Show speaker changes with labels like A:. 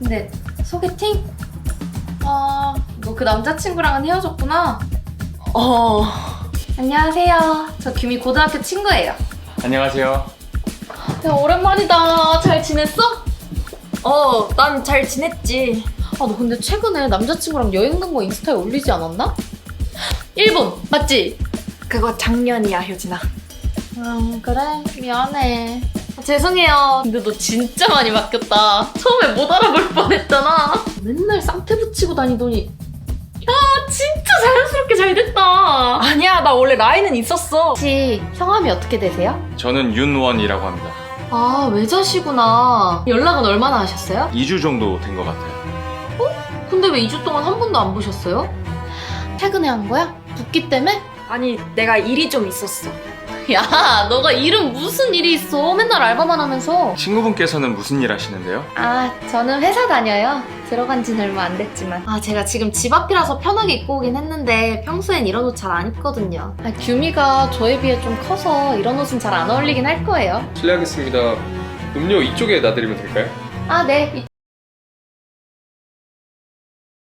A: 근데 소개팅? 너 그 남자친구랑은 헤어졌구나? 안녕하세요. 저 규미 고등학교 친구예요.
B: 안녕하세요.
A: 야, 오랜만이다. 잘 지냈어?
C: 난 잘 지냈지.
A: 너 근데 최근에 남자친구랑 여행 간 거 인스타에 올리지 않았나? 일본, 맞지?
C: 그거 작년이야, 효진아.
A: 그래. 미안해. 죄송해요. 근데 너 진짜 많이 바뀌었다. 처음에 못 알아볼 뻔했잖아. 맨날 쌍태 붙이고 다니더니 야, 진짜 자연스럽게 잘 됐다.
C: 아니야, 나 원래 라인은 있었어.
A: 혹시 성함이 어떻게 되세요?
B: 저는 윤원이라고 합니다.
A: 외자시구나. 연락은 얼마나 하셨어요?
B: 2주 정도 된 것 같아요.
A: 근데 왜 2주 동안 한 번도 안 보셨어요? 퇴근해 한 거야? 붓기 때문에?
C: 아니, 내가 일이 좀 있었어.
A: 야, 너가 일은 무슨 일이 있어? 맨날 알바만 하면서.
B: 친구분께서는 무슨 일 하시는데요?
A: 저는 회사 다녀요. 들어간 지는 얼마 안 됐지만. 제가 지금 집 앞이라서 편하게 입고 오긴 했는데 평소엔 이런 옷 잘 안 입거든요. 규미가 저에 비해 좀 커서 이런 옷은 잘 안 어울리긴 할 거예요.
D: 실례하겠습니다. 음료 이쪽에 놔드리면 될까요?
A: 네.